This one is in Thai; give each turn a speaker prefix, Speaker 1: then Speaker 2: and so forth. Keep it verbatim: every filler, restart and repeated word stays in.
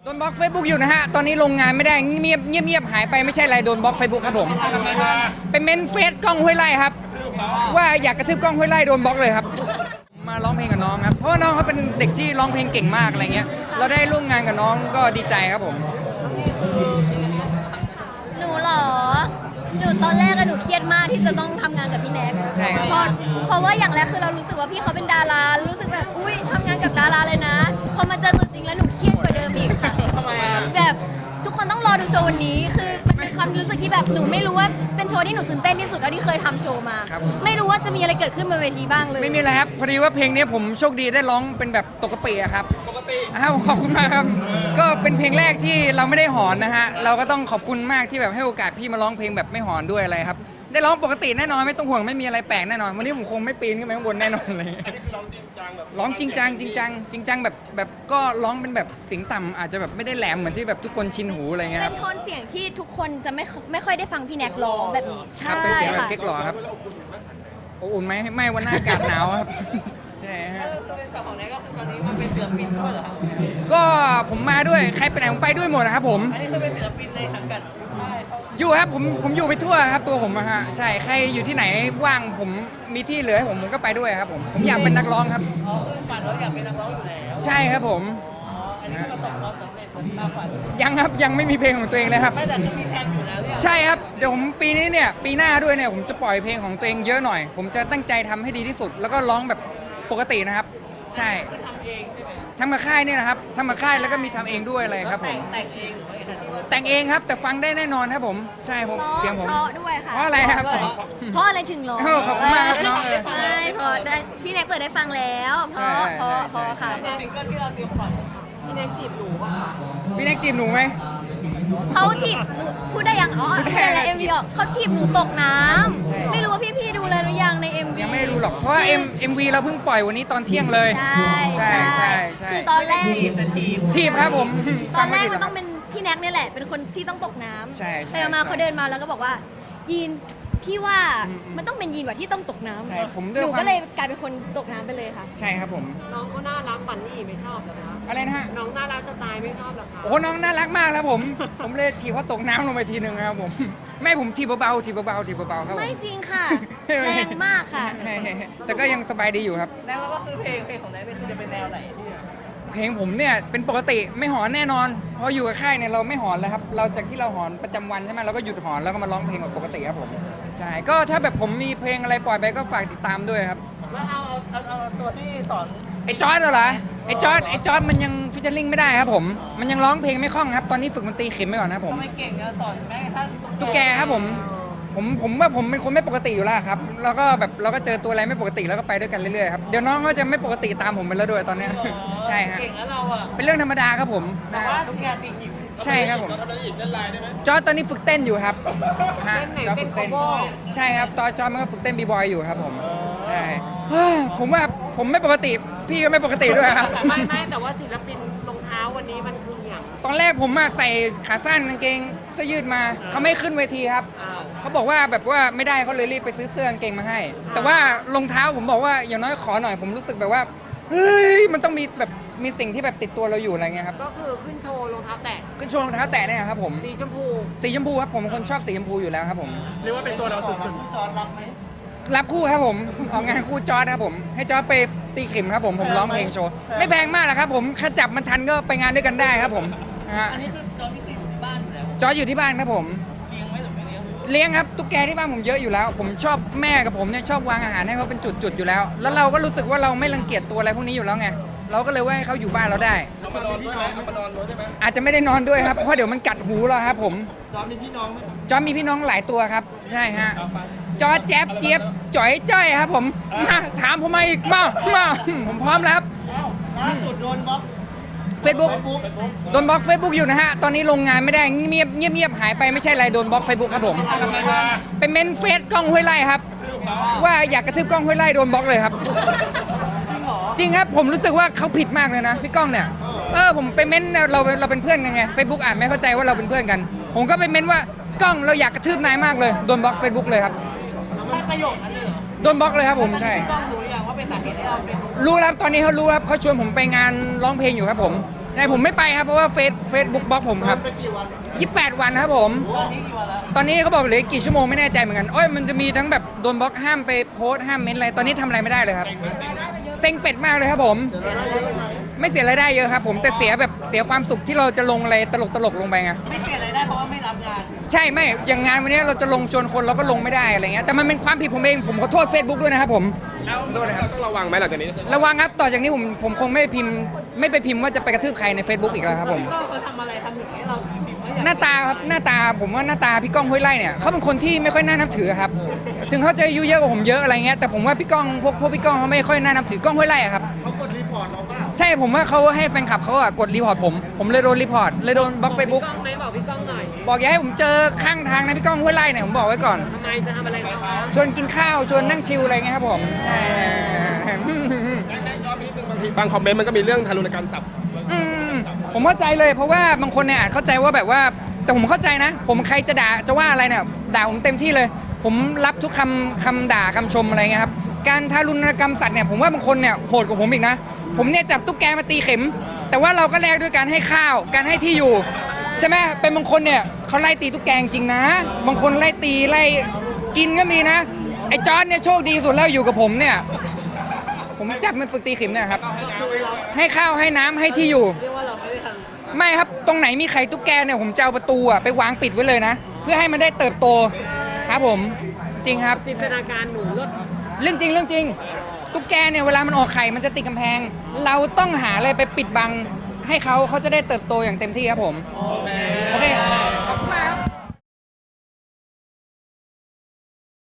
Speaker 1: โดนบล็อก Facebook อยู่นะฮะตอนนี้ลงงานไม่ได้เงียบเงียบเงียบหายไปไม่ใช่อะไรโดนบล็อก Facebook ครับผมเป็นเมนเฟซกล้องห้วยไร่ครับว่าอยากกระทืบกล้องห้วยไร่โดนบล็อกเลยครับมาร้องเพลงกับน้องครับเพราะว่าน้องเขาเป็นเด็กที่ร้องเพลงเก่งมากอะไรเงี้ยเราได้ร่วมงานกับน้องก็ดีใจครับผม
Speaker 2: หนูเหรอหนูตอนแรกอะหนูเครียดมากที่จะต้องทำงานกับพี่แน็ก
Speaker 1: ใช่ครับ
Speaker 2: เพราะเพราะว่าอย่างแรกคือเรารู้สึกว่าพี่เขาเป็นดารารู้สึกแบบอุ้ยทำงานกับดาราเลยนะพอมาเจอตัวจริงแล้วหนูเครียดกว่าเดิมอีกค่ะ
Speaker 1: ทำไมอะ
Speaker 2: แบบทุกคนต้องรอดูโชว์วันนี้คือมันเป็นความรู้สึกที่แบบหนูไม่รู้ว่าเป็นโชว์ที่หนูตื่นเต้นที่สุดแล้วที่เคยทำโชว์มาไม่รู้ว่าจะมีอะไรเกิดขึ้นบนเวทีบ้างเลย
Speaker 1: ไม่มีอะไรครับพอดีว่าเพลงนี้ผมโชคดีได้ร้องเป็นแบบตกกระเปียครับปกติครับขอบคุณมากครับก็เป็นเพลงแรกที่เราไม่ได้หอนนะฮะเราก็ต้องขอบคุณมากที่แบบให้โอกาสพี่มาร้องเพลงแบบไม่หอนด้วยอะไรครับได้ร้องปกติแน่นอนไม่ต้องห่วงไม่มีอะไรแปลกแน่นอนวันนี้ผมคงไม่ปีนขึ้นไปข้างบนแน่นอนเลยอันนี้คือร้องจริงจังแบบร้องจริงจังจริงจังจริงจังแบบแบบก็ร้องเป็นแบบเสียงต่ำอาจจะแบบไม่ได้แหลมเหมือนที่แบบทุกคนชินหูอะไรเงี้ยค
Speaker 2: เป็
Speaker 1: รับ
Speaker 2: นโทนเสียงที่ทุกคนจะไม่ไม่ค่อยได้ฟังพี่แน็กร้องแบบนี้
Speaker 1: ใช่เป็นเสียงแบบเก๊กหล่อครับอบอุ่นไหมไม่วันหน้าอากาศหนาวครับใช่ฮะ
Speaker 3: เป็นสาวของแน็กก็คือตอนนี้มาเป็นศิลปินด้วยเหรอครับ
Speaker 1: ก็ผมมาด้วยใครไปไหนผมไปด้วยหมดนะครับผม
Speaker 3: อันนี้คือเป็นศิลปินในสังกัดค่ายเขา
Speaker 1: อยู่ครับผมผมอยู่ไปทั่วครับตัวผมอะฮะใช่ใครอยู่ที่ไหนว่างผมมีที่เหลือให้ผมผมก็ไปด้วยครับผมผมอยากเป็นนักร้องครับ
Speaker 3: อ๋อคือฝันเราอยากเป็นนักร้องอยู่แล้ว
Speaker 1: ใช่ครับผม
Speaker 3: อ๋ออันนี้คือประสบความสำเร็จตามฝัน
Speaker 1: ยังครับยังไม่มีเพลงของตัวเองเลยครับ
Speaker 3: ไม่แต่คือมีแพลนอยู่แล้วเนี่ย
Speaker 1: ใช่ครับเดี๋ยวผมปีนี้เนี่ยปีหน้าด้วยเนี่ยผมจะปล่อยเพลงของตัวเองเยอะหน่อยผมจะตั้งใจทำให้ดีที่สุด แล้วก็ร้องแบบปกตินะครับใช่
Speaker 3: คือทำเองใช่ไหม
Speaker 1: ทำมาค่ายเนี่ยนะครับทำมาค่ายแล้วก็มีทำเองด้วยอะไรครับผม
Speaker 3: แต่งเองหรือว่ายังไง
Speaker 1: แต่งเองครับแต่ฟังได้แน่นอนครับผมใช่ผมเสียงผม
Speaker 2: เพราะด้วยค่ะ
Speaker 1: เพราะอะไรครับ
Speaker 2: เพราะอะไรถึงร้อง
Speaker 1: ขอบคุณมากครับน้องเออ
Speaker 2: ใช่เพราะได้พี่แน็กเปิดได้ฟังแล้วเพราะเพราะเพราะค่ะ
Speaker 3: ซิงเกิลที่เราเตรียมปล่อยพี่แน็กจีบหนูป่ะคะ
Speaker 1: พี่แน็กจีบหนูไหม
Speaker 2: เขาถีบหนูพูดได้ยังอ๋อ
Speaker 1: พูดได้
Speaker 2: แต่ละเอ็มวีออกเขาถีบหนูตกน้ำไม่รู้ว่าพี่ๆดูเลยหรือยังใน เอ็ม วี
Speaker 1: ยังไม่รู้หรอกเพราะว่า M เอ็มวีเราเพิ่งปล่อยวันนี้ตอนเที่ยงเลย
Speaker 2: ใช่
Speaker 1: ใช่ใช่ใช่
Speaker 2: คือตอนแรก
Speaker 1: ทีมครับผม
Speaker 2: ตอนแรก
Speaker 1: ฟั
Speaker 2: มัน
Speaker 1: ไผิดห
Speaker 2: ต้องเป็นพี่แน็กเนี่ยแหละเป็นคนที่ต้องตกน้ำ
Speaker 1: ใช่ใช่
Speaker 2: ไปมา
Speaker 1: ใช่
Speaker 2: เขาเดินมาแล้วก็บอกว่ายีนพี่ว่า
Speaker 1: อืมอืม
Speaker 2: มันต้องเป็นยีนว่ะที่ต้องตกน้ำ
Speaker 1: ใช่ผมด้
Speaker 2: ห
Speaker 1: วย
Speaker 2: นู
Speaker 1: ความ
Speaker 2: ก็เลยกลายเป็นคนตกน้ำไปเลยค่ะ
Speaker 1: ใช่ครับผม
Speaker 3: น้องก็น่ารักปันนี่ไม่ชอบเหรอคะ
Speaker 1: อะไรนะฮะ
Speaker 3: น้องน่ารักจะตายไม่ชอบเหรอคะ
Speaker 1: โอ้โหน้องน่ารักมากครับผม ผมเลยถีบเขาตกน้ำลงไปทีหนึ่งครับผมแม่ผมถีบเบาๆถีบเบาๆถีบเบาๆครับผม
Speaker 2: ไม่จริงค่ะ แรงมากค่ะ
Speaker 1: แต่ก็ยังสบายดีอยู่ครับ
Speaker 3: แล้วก็คือเพลงเพลงของแน็กเนี่ยคือจะเป็นแนวไหนเนี่ย
Speaker 1: เพลงผมเนี่ยเป็นปกติไม่หอนแน่นอนเพราะอยู่กับค่ายเนี่ยเราไม่หอนแล้วครับเราจากที่เราหอนประจำวันใช่ไหมเราก็หยุดหอนแล้วก็มาร้องเพลงแบบปกติครับผมใช่ก็ถ้าแบบผมมีเพลงอะไรปล่อยไปก็ฝากติดตามด้วยครับ
Speaker 3: ว่าเอาเอาเอาเอาตัวที่สอน
Speaker 1: ไอ้จอร์ดเหรอไอ้จอร์ดไอ้จอร์ดมันยังฟิชเชอร์ลิงไม่ได้ครับผมมันยังร้องเพลงไม่คล่องครับตอนนี้ฝึกมันตรีเข็มไปก่อนครับผม
Speaker 3: ทำไมเก่งอะสอนแม้กระทั่ง
Speaker 1: ตุ๊กแกครับผมผมผมว่าผมเป็นคนไม่ปกติอยู่แล้วครับแล้วก็แบบเราก็เจอตัวอะไรไม่ปกติแล้วก็ไปด้วยกันเรื่อยๆครับเดี๋ยวน้องก็จะไม่ปกติตามผมไปแล้วด้วยตอนเนี้ยใช่ฮะ
Speaker 3: เก่งแล้วเราอะ
Speaker 1: เป็นเรื่องธรรมดาครับผม
Speaker 3: แต่ว่าตุ๊กแกตีขิม
Speaker 1: ใช่ครับผม
Speaker 3: ทำอะไรอีกเล่นลายได้ไหม
Speaker 1: จอร์ดตอนนี้ฝึกเต้นอยู่ครับฮะ
Speaker 3: เต้นไหน
Speaker 1: จอร์ดฝึกเต้น
Speaker 3: เต้น cover
Speaker 1: ใช่ครับตอนจอร์ดมันก็ฝึกเต้นบีบอยอยู่ครับผมใช่เฮ้ยผมว่าผมไม่ปกติพี่ก็ไม่ปกติด้วยครับ
Speaker 3: ไม่ไม่แต่ว่าศิลปินรองเท้าวันนี้มันคืออย่าง
Speaker 1: ตอนแรกผมมาใส่ขาสั้นกางเกงเสื้อยืดมาเขาไม่ขึ้นเวทีครับ
Speaker 3: อ้าว
Speaker 1: เขาบอกว่าแบบว่าไม่ได้เขาเลยรีบไปซื้อเสื้อกางเกงมาให้ แต่ว่ารองเท้าผมบอกว่าอย่างน้อยขอหน่อยผมรู้สึกแบบว่าเฮ้ยมันต้องมีแบบมีสิ่งที่แบบติดตัวเราอยู่อะไรเงี้ยครับ
Speaker 3: ก็คือขึ้นโชว์รองเท้าแตะ
Speaker 1: ขึ้นโชว์รองเท้าแตะเนี่ยครับผม
Speaker 3: สีชมพู
Speaker 1: สีชมพูครับผมเป็นคนชอบสีชมพูอยู่แล้วครับผม
Speaker 3: เรียกว่าเป็นตัวเราสุดๆจอนรับไหม
Speaker 1: รับคู่ครับผมออกงานคู่จอร์ดครับผมให้จอร์ดไปตีขิมครับผมผมร้องเพลงโชว์ไม่แพงมากหรอกครับผมถ้าจับมันทันก็ไปงานด้วยกันได้ครับผมนะฮะ
Speaker 3: อันนี้คือจอนที่อยู่ที่บ้านอยู่แล้ว
Speaker 1: จอร์ดอยู่ที่บ้านครับผม
Speaker 3: เลี้ยงไหมหรือไม่เลี้ยง
Speaker 1: เลี้ยงครับตุ๊กแกที่บ้านผมเยอะอยู่แล้ว ผมชอบแม่กับผมเนี่ยชอบวางอาหารให้เขาเป็นจุดๆอยู่แล้ว แล้วเราก็รู้สึกว่าเราไม่รังเกียจตัวอะไรพวกนี้อยู่แล้วไงเราก็เลยว่าให้เขาอยู่บ้านเราได้
Speaker 3: เอามานอนด้วยไหมเอามานอนด้วยได้ไหม
Speaker 1: อาจจะไม่ได้นอนด้วยครับเพราะเดี๋ยวมันกัดหูเราครับผม
Speaker 3: จอนมีพี่น้องไหม
Speaker 1: จอร์จมีพี่น้องหลายตัวครับใช่ฮะจอร์จแจ๊บเจี๊ยบจ๋อยจ้อยครับผมมาถามผมมาอีกมามาผมพร้อมแล้วครับ
Speaker 3: ล่าสุดโดนบล็อก
Speaker 1: เฟซบุ๊กโดนบล็อก Facebook อยู่นะฮะตอนนี้ลงงานไม่ได้เงียบเงียบเงียบหายไปไม่ใช่อะไรโดนบล็อก Facebook ครับผมเป็นเมนเฟซกล้องห้วยไร่ครับว่าอยากกระทืบกล้องห้วยไร่โดนบล็อกเลยครับ จริงครับผมรู้สึกว่าเขาผิดมากเลยนะพี่ก้องเนี่ยเออผมไปเม้นเราเราเป็นเพื่อนกันไง Facebook อ่านไม่เข้าใจว่าเราเป็นเพื่อนกัน ผมก็ไปเม้นว่ากล้องเราอยากกระทืบนายมากเลยโดนบล็อก Facebook เลยครับ
Speaker 3: ไม่ประโยคนั้นเลยเหรอ
Speaker 1: โดนบล็อกเลยครับผมใช่
Speaker 3: พี่ก้องรู้หรือยังว่าเป็นสาเหตุที่เราเป็น
Speaker 1: รู้แล้วตอนนี้เขารู้ครับเขาชวนผมไปงานร้องเพลงอยู่ครับผมแต่ผมไม่ไปครับเพราะว่าเฟซเฟซบุ๊กบล็อกผมครับ
Speaker 3: ไปกี่วัน
Speaker 1: ยี่สิบแปดวันครับผม
Speaker 3: ตอนนี้กี่วันแล้ว
Speaker 1: ตอนนี้เขาบอกเหลือกี่ชั่วโมงไม่แน่ใจเหมือนกันโอ้ยมันจะมีทั้งแบบโดนบล็อกห้ามไปโพสต์ห้ามเม้นอะไรตอนนี้ทำอะไรไม่ได้เลยครับเซ็งเป็ดมากเลยครับผม ไม่เสียรายได้เยอะครับผมแต่เสียแบบเสียความสุขที่เราจะลงอะไรตลกตลกๆลงไปไง
Speaker 3: ไม่เปลี่ยนอะไรได้เพราะว่าไม่รับงาน
Speaker 1: ใช่ไม่อย่างงานวันนี้เราจะลงชวนคนเราก็ลงไม่ได้อะไรเงี้ยแต่มันเป็นความผิดผมเองผมขอโทษ Facebook ด้วยนะครับผม
Speaker 4: แล้ว
Speaker 1: โทษนะครับ
Speaker 4: ต้องระวังไหมหลังจากนี้
Speaker 1: ระวังครับต่อจากนี้ผมผมคงไม่พิมพ์ไม่ไปพิมพ์ว่าจะไปกระทืบใครใน Facebook อีกแล้วครับผม
Speaker 3: ก็เขาทำอะไรทำอย่างนี้เราพิมพ์ว่าอยาก
Speaker 1: หน้าตาครับหน้าตาผมว่าหน้าตาพี่ก้องห้วยไร่เนี่ยเขาเป็นคนที่ไม่ค่อยน่านับถือครับถึงเขาจะอายุเยอะกว่าผมเยอะอะไรเงี้ยแต่ผมว่าพี่ก้องพวกพวกพี่ก้องเขาไม่ค่อยน่านับถือก้องห้วยไร่อะครับ
Speaker 3: เขากดรีพอร์ตเราเปล่า
Speaker 1: ใช่ผมว่าเขาให้แฟนคลับเขาอะกดรีพอร์ตผมผมเลยโดนรีพอร์ตเลยโดนบล็อกเฟซบุ๊ก
Speaker 5: กล้องไหมบอกพี่ก้องหน่อย
Speaker 1: บอกอย่าให้ผมเจอข้างทางนะพี่ก้องห้วยไร่เนี่ยผมบอกไว้ก่อน
Speaker 5: ทำไมจะทำอะไรเขาคะ
Speaker 1: ชวนกินข้าวชวนนั่งชิลอะไรเงี้ยครับผม
Speaker 4: บางคอมเมนต์มันก็มีเรื่องทารุณกรรมสัตว์
Speaker 1: อืมผมเข้าใจเลยเพราะว่าบางคนเนี่ยอาจเข้าใจว่าแบบว่าแต่ผมเข้าใจนะ ผมใครจะด่าจะว่าอะไรเนี่ยด่าผมเต็มที่เลย ผมรับทุกคำคำด่าคำชมอะไรเงี้ยครับการทารุณกรรมสัตว์เนี่ยผมว่าบางคนเนี่ยโหดกว่าผมอีกนะ ผมเนี่ยจับตุ๊กแกมาตีเข็ม แต่ว่าเราก็แลกด้วยการให้ข้าวการให้ที่อยู่ใช่ไหมเป็นบางคนเนี่ยเขาไล่ตีตุ๊กแกจริงนะ บางคนไล่ตีไล่กินก็มีนะไอ้จอร์ดเนี่ยโชคดีสุดแล้วอยู่กับผมเนี่ย ผมจับมันฝึกตีเข็มเนี่ยครับให้ข้าวให้น้ำให้ที่อยู่
Speaker 3: เรียกว่าเราไม่ได้ท
Speaker 1: ไม่ครับตรงไหนมีไข่ตุ๊กแกเนี่ยผมจะเอาประตูอะไปวางปิดไว้เลยนะ เพื่อให้มันได้เติบโตครับผมจริงครับ
Speaker 5: จินตนาการหนูลด
Speaker 1: เรื่องจริงเรื่องจริง ตุ๊กแกเนี่ยเวลามันออกไข่มันจะติดกำแพง เราต้องหาอะไรไปปิดบัง ให้เขาเขาจะได้เติบโตอย่างเต็มที่ครับผม
Speaker 4: โอเค